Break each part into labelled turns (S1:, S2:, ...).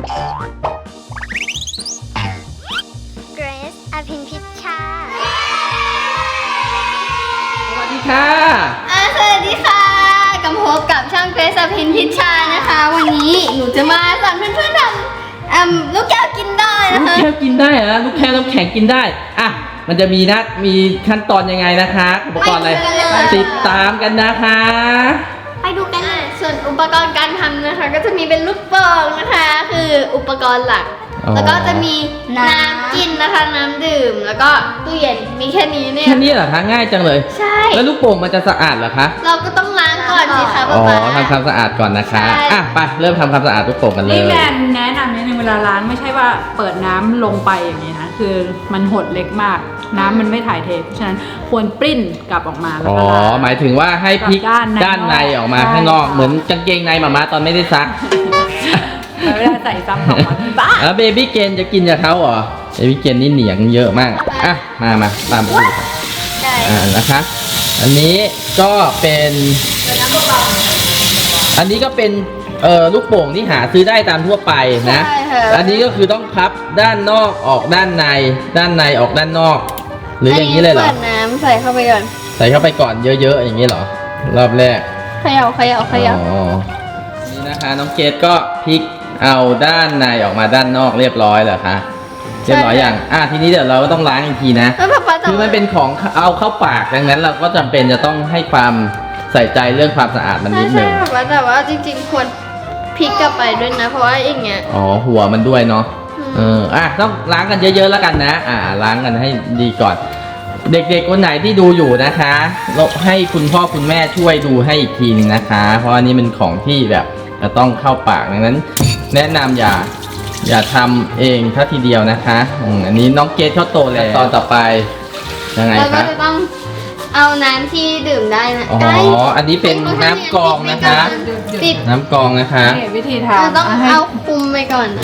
S1: เกรซอภินพิชชา
S2: สวัสดีค่ะ
S3: สวัสดีค่ะกลับมาพบกับช่างเกรซอภินพิชชานะคะ วันนี้หนูจะมาสอนเพื่อนๆทำลูกแก้วกินได้
S2: ลู
S3: นะ
S2: ก
S3: คะ
S2: แก้วกินได้เหรอลูกแก้วน้ำแข็งกินได้อ่ะมันจะมีขั้นตอนยังไงนะคะอุปกรณ์อะไรติดตามกันนะคะ
S3: ไปดูกันส่วนอุปกรณ์การทำนะคะ ก็จะมีเป็นลูกโป่งนะคะ คืออุปกรณ์หลัก แล้วก็จะมีน้ำกินนะคะ น้ำดื่ม แล้วก็ตู้เย็นมีแค่นี้เนี่ย
S2: แค่นี้เหรอคะง่ายจังเลย
S3: ใช่
S2: แล้วลูกโป่งมันจะสะอาดเหรอคะ
S3: เราก็ต้องล้างก่อนสิคะ
S2: อ๋
S3: ป๊า
S2: อ
S3: ป๊า
S2: ทำความสะอาดก่อนนะคะ
S3: ใช่
S2: อ่ะไปเริ่มทำความสะอาดลูกโป่งกันเลย
S4: นี่แแนะนำนิดนึงเวลาล้างไม่ใช่ว่าเปิดน้ำลงไปอย่างนี้นะคือมันหดเล็กมาก น้ำมันไม่ถ่ายเทเพราะฉะนั้นควรปริ้นกลับออกมาแล้ว
S2: อ๋อ
S4: ก็ล้าง
S2: หมายถึงว่าให้พลิก
S4: กับด้านใน
S2: ออกมา
S4: ใช่
S2: ข้างนอก
S4: ค่ะ
S2: เหมือนกางเกงในหมาตอนไม่ได้ซัก
S4: แต่เวลาใส่ซ้ำออกมาบ้า
S2: แล้วเบบี้เกนจะกินกับเขาเหรอเบบี้เกนนี่เหนียงเยอะมากอ่ะมาตามไปดูกัน
S3: ได้
S2: นะคะ อันนี้ก็เป็นลูกโป่งที่หาซื้อได้ตามทั่วไปนะ
S3: ใช่ค่ะ
S2: อันนี้ก็คือต้องพับด้านนอกออกด้านในออกด้านนอก หรืออย่างนี้เลยเหรอ
S3: เปิดน้ำใส่เข้าไปก่อน
S2: ใส่เข้าไปก่อนเยอะๆอย่างนี้เหรอรอบแรก
S3: เขย่า
S2: อ๋อนี่นะคะน้องเกดก็พลิกเอาด้านในออกมาด้านนอกเรียบร้อยเหรอคะเรียบร้อยอย่างทีนี้เดี๋ยวเราก็ต้องล้างอีกทีนะ
S3: แล้วป๊าจะ
S2: คือมันเป็นของเอาเข้าปากดังนั้นเราก็จำเป็นจะต้องให้ความใส่ใจเรื่องความสะอาดมันนิด
S3: ใช่
S2: นึง
S3: ป๊าแต่ว่าจริงๆควรพลิกกลับไปด้วยนะ เพราะว่าอย่างเงี้ย
S2: อ๋อหัวมันด้วยเนาะต้องล้างกันเยอะๆแล้วกันนะล้างกันให้ดีก่อน เด็กๆคนไหนที่ดูอยู่นะคะเราให้คุณพ่อคุณแม่ช่วยดูให้อีกทีนึงนะคะ เพราะอันนี้เป็นของที่แบบจะต้องเข้าปากดังนั้น แนะนำอย่าทำเองเท่าทีเดียวนะคะอันนี้น้องเกดเขาโตแล้วตอนต่อไปยังไง
S3: แล้วก็
S2: คะ
S3: จะต้องเอาน้ำที่ดื่มได้นะ
S2: อ๋อ
S3: ได้
S2: อันนี้เป็นน้ำกรองนะคะ
S3: ปิด
S2: น้ำกรองนะคะ
S4: นี่วิธี
S3: เรา
S4: ทำ
S3: ต้อง
S4: ให้
S3: เอาคุมไปก่อนนะ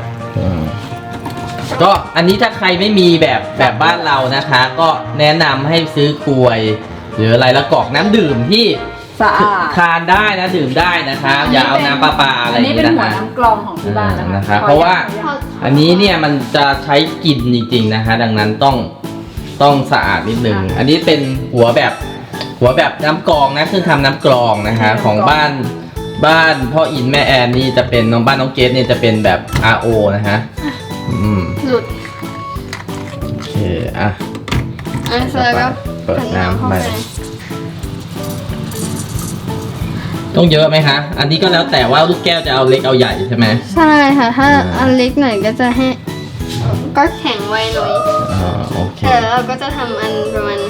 S2: ก็อันนี้ถ้าใครไม่มีแบบบ้านเรานะคะ ก็แนะนำให้ซื้อกลวย หรืออะไรแล้วกรอกน้ำดื่มที่
S4: สะอาด
S2: ทานได้นะดื่มได้นะคะ อย่าเอาน้ำปลาอะไรอ
S4: อัน
S2: ย่าง
S4: นี้
S2: นี้
S4: เป็น
S2: นะ
S4: หัว
S2: คะ
S4: น้ำกรองของที่บ้านนะคะ
S2: นะคะเพราะว่า อันนี้เนี่ยมันจะใช้กินจริงๆนะคะ ดังนั้นต้องสะอาดนิดนึงอันนี้เป็นหัวแบบน้ำกรองนะเครื่องทำน้ำกรองนะคะ ของบ้านพ่ออินแม่แอนนี่จะเป็นบ้านน้องเกดเนี่ยจะเป็นแบบ RO นะฮะ
S3: หลุด
S2: โอเคอ่ะ
S3: เสร็จแล้วก็
S2: เปิดน้ำ
S3: เข้า
S2: ไป
S3: ไป
S2: ต้องเยอะไหมคะอันนี้ก็แล้วแต่ว่าลูกแก้วจะเอาเล็กเอาใหญ่ใช่ไหม
S3: ใช่ค่ะ ถ้าอันเล็กหน่อยก็จะให้ก็แข็งไวหน่อย
S2: โอเค
S3: แต่เราก็จะทำอันประมาณ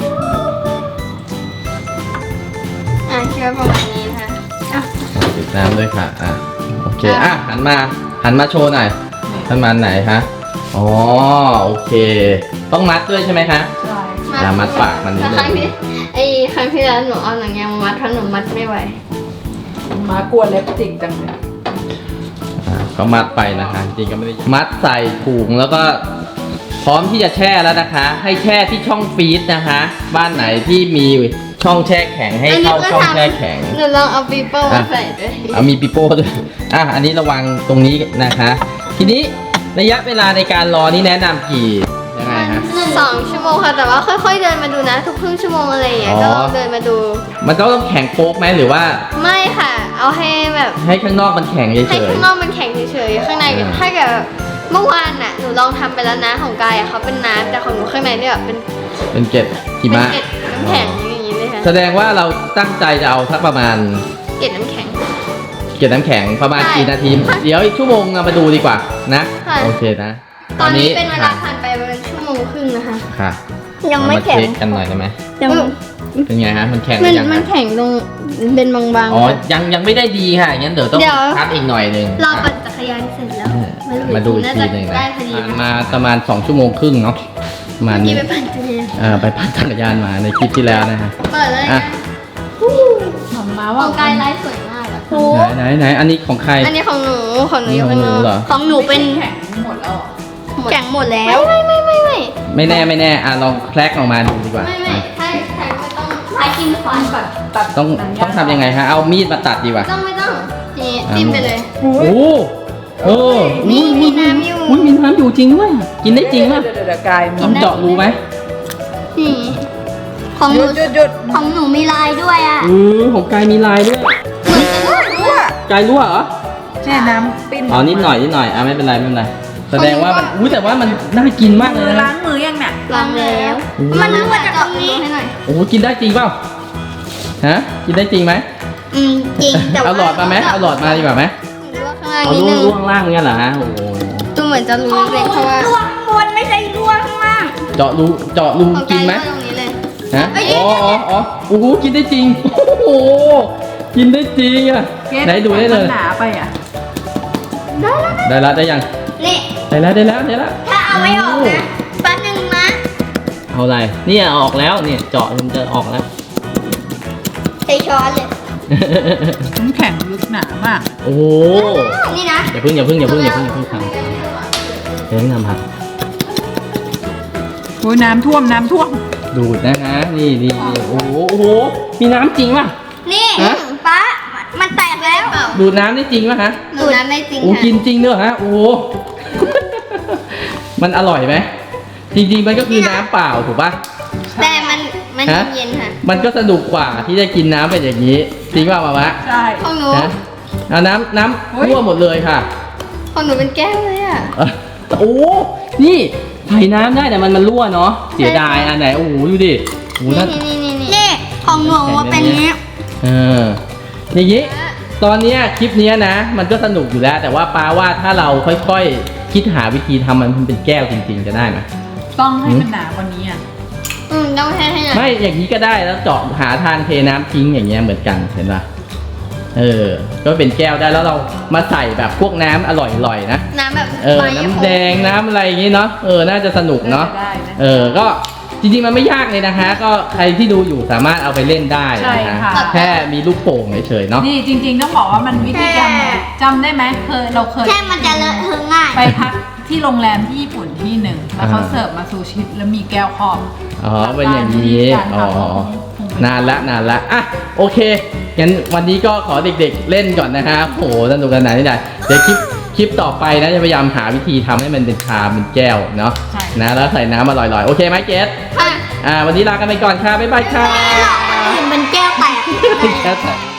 S3: คิดว่าประมาณนี้นะคะ
S2: ติดน้ำด้วยค่ะโอเคหันมาโชว์หน่อยท่านมันไหนคะอ๋อโอเคต้องมัดด้วยใช่ไหมคะ
S4: ใช่
S2: มัดปากมันนิดนึง
S3: ครั้งที่แล้วหนูเอาหนังยางมามัดเพราะหนูมัดไม่ไหว
S4: มากลัวเล็บจิกจังเลย
S2: ก็มัดไปนะคะจริงก็ไม่ได้มัดใส่ถุงแล้วก็พร้อมที่จะแช่แล้วนะคะ ให้แช่ที่ช่องฟรีซนะคะ บ้านไหนที่มีช่องแช่แข็งให้เข้าช่องแช่แข็ง
S3: หนูลองเอาปีโป้มาใส่ด้วย
S2: เอามีปิโป้ด้วยอันนี้ระวังตรงนี้นะคะ ทีนี้ระยะเวลาในการรอนี่แนะนำกี่ยังไงฮะ
S3: 2 ชั่วโมงค่ะ แต่ว่าค่อยๆเดินมาดูนะ ทุกครึ่งชั่วโมงอะไรอย่างเงี้ย
S2: อ๋อ
S3: ก็ลองเดินมาดู
S2: มันก็ต้องแข็งโป๊กไหมหรือว่า
S3: ไม่ค่ะ เอาให้แบบ
S2: ให้ข้างนอกมันแข็งเฉ
S3: ให้
S2: ย
S3: ข้างนอกมันแข็งเฉยๆ ข้างใน ถ้าเกิดเมื่อวานน่ะ หนูลองทำไปแล้วนะของกายอะเขาเป็นน้ำแต่ของหนูข้างในเนี่ยแบบเป็น
S2: ๆเป็นเกล็ดหิ
S3: เป็น
S2: มะ
S3: เกล็ดน้ำแข็งอย่างนี้เลยค่ะ
S2: แสดงว่าเราตั้งใจจะเอาสักประมาณ
S3: เกล็ดน้ำแข็ง
S2: เกล็ดน้ำแข็งประมาณ
S3: ใช่
S2: กี่นาที
S3: ค่ะ
S2: เดี๋ยวอีกชั่วโมงเรามาดูดีกว่านะ
S3: ค่ะ
S2: โอเคนะ
S3: ตอนนี้เป็นเวลาผ่านไปประมาณชั่วโมงครึ่งนะคะ
S2: ค่ะ
S1: ยังไม่
S2: เราา
S1: แข็ง
S2: เช็คกันหน่อยได้ไหม
S1: ยัง
S2: เป็นไงฮะมันแข็งหรือยัง
S3: มัน
S2: ฮะ
S3: แข็งตรงเป็นบางๆ
S2: อ๋อ
S3: ค่ะ
S2: ยังไม่ได้ดีค่ะงั้นเดี๋ยวต้อง
S3: เดี๋ยว
S2: พักอีกหน่อยหนึ่ง
S3: รอปั่นจักรยานเสร็จแล้ว
S2: มาดูอีกทีหนึ่ง
S3: น่า
S2: นะ
S3: จะได้พอดี
S2: มาประมาณ2 ชั่วโมงครึ่งเนาะประมาณ
S3: เมื่อกี้
S2: นี้
S3: ไปปั่นจักรยาน
S2: ไปปั่นจักรยานมาในคลิปที่แล้วนะฮะ
S3: เปิดเลย
S2: อ่ะ
S3: นะ
S4: มา
S3: ข
S4: ว่า
S3: องกายไลฟ์สวยมากอะ
S2: ไหนอันนี้ของใคร
S3: อันนี้ของหนูอยู่ข้างนอก
S2: ของหนูเหรอ
S3: ของหนูเป็น
S4: แข็งหมดแล้วเหรอ
S3: แข็งหมดแล้วไม่
S2: ไม่แน่ลองแคลกออกมาดูดีกว่า
S3: ถ้าแข็งไม่ต้องใช้กินขวาน
S4: ตัด
S2: ต้องทำยังไงฮะเอามีดมาตัดดีกว่า
S3: ไม่ต้องนี่จิ้มไปเลย
S2: โอ้เอออุ้ยมีน้ำอยู่จริงด้วยกินได้จริงป่ะ
S4: เดี๋ยวกาย
S2: ต้องเจาะรูไหม
S1: นี่ของห
S4: ห
S1: นู
S4: ยุด
S1: ของหนูมีลายด้วยอ่ะ
S2: ของกายมีลายด้วย
S4: รั่ว
S2: กายรั่วเหรอ
S4: แช่น้ำปิ้น
S2: อ๋อนิดหน่อยไม่เป็นไรแสดงว่ามันอุ้ยแต่ว่ามันน่ากินมากเลย
S4: ล้า
S2: นะ
S4: งมือยังเนี่ย
S1: ล้างแล้ว มันรั่วจากตรงนี้ให้หน่อย
S2: โอ้โหกินได้จริงเปล่าฮะกินได้จริงไหม
S1: จริงแต่ว่า
S2: เอาหลอดมาไหมเอาหลอดมาดีกว่าไหม
S1: รั่วข้างล่าง
S2: เอา
S1: นิดนึง
S2: ล่วงล่างเงี้ยเหรอฮะโอ้โห
S1: ดูเหมือนจะรู้เลยเพราะว่า
S3: รั่วข้างบนไม่ใช่รั่วข้างล่าง
S2: เจาะรู
S1: ของ
S2: กินไหม
S1: ตรงนี้เลย
S2: ฮะอ๋อโอ้โหกินได้จริงโอ้โหกินได้จริงอ่ะไหนดูได้เลย
S4: มันหนาไปอ่ะ
S2: ได้แล้วได้ยัง
S1: นี่
S2: ได้แล้ว
S1: ถ้าเอาไม่ออกนะแป๊บนึงนะ
S2: เอาอะไรเนี่ยเอาออกแล้วเนี่ยเจาะมันจะออกแล้ว
S1: ใช้ช้อนเลย
S4: น้ำแข็งลึกหนามาก
S2: โอ้โห
S1: นี่นะ
S2: อย่าเพิ่งทำเพิ่งทำครับ
S4: โอ้ยน้ำท่วม
S2: ดูดนะฮะนี่โอ้โหมีน้ำจริงป่ะ
S1: นี่
S2: ฮะ
S1: ป๊ามันแตกแล้ว
S2: ดูดน้ำได้จริงป่ะฮะ
S1: หนูน้ำไม่จริง
S2: โอ้
S1: ค่ะ
S2: กินจริงด้วยฮะโอ้โห มันอร่อยไหมจริงๆมันก็คือน้ำเปล่าถูกป่ะ
S1: แต่มัน
S2: ฮะ
S1: เย็นๆค่ะ
S2: มันก็สนุกกว่าที่จะกินน้ำเป็นอย่างนี้จริงป่ะมามะ
S4: ใช่
S1: ของหนู
S2: ฮะเอาน้ำรั่วหมดเลยค่ะ
S1: ของหนูเป็นแก้วเลยอ่ะ
S2: โอ้นี่ใส่น้ำได้แต่มันรั่วเนาะเสียดายอันไหนโอ้โหดูดิโอ้โหถ้า
S1: นี่ของหนูเป็นนี้
S2: เอออย่างนี้ตอนเนี้ยคลิปเนี้ยนะ มันก็สนุกอยู่แล้ว แต่ว่าปาว่าถ้าเราค่อยๆ คิดหาวิธีทำมันเป็นแก้วจริงๆจะได้ไหม
S4: ต้องให้มันหนากว่านี้อ่ะ
S1: ต้องให้หน่อย
S2: ไม่อย่างนี้ก็ได้แล้วเจาะหาทางเทน้ำทิ้งอย่างเงี้ยเหมือนกันเห็นปะก็เป็นแก้วได้แล้วเรามาใส่แบบพวกน้ำอร่อยๆนะ
S1: น้ำแบบ
S2: น้ำแดงน้ำอะไรอย่างงี้เนาะน่าจะสนุกเนาะ
S4: ได้นะ
S2: ก็จริงๆมันไม่ยากเลยนะคะ ก็ใครที่ดูอยู่สามารถเอาไปเล่นได้
S4: ใช่
S2: นะ
S4: ค่ะ
S2: แค่มีลูกโป่งเฉยๆเนาะ
S4: นี่จริงๆต้องบอกว่ามันวิธีการจำได้ไหมเราเคย
S1: แค่มันจะเลอะเทอะง่าย
S4: ไปพักที่โรงแรมที่ญี่ปุ่นที่หนึ่งแล้วเขาเสิร์ฟมาซูชิแล้วมีแก้วครอบ
S2: อ๋อเป็นอย่างนี้
S4: การ
S2: อ๋อ
S4: ทำ
S2: นานละอ่ะโอเคงั้นวันนี้ก็ขอเด็กๆเล่นก่อนนะฮะโหสนุกสนานนี่ได้เดี๋ยวคลิปต่อไปนะจะพยายามหาวิธีทำให้มันเป็นชามเป็นแก้วเนาะ
S4: ใช่
S2: นะแล้วใส่น้ำอร่อยๆโอเคไหมเกส
S1: ค่ะ
S2: วันนี้ลากันไปก่อนค่ะบ๊ายบายค่ะ
S1: คนอื่นเป็นแก้วแตก
S2: แก้วแตก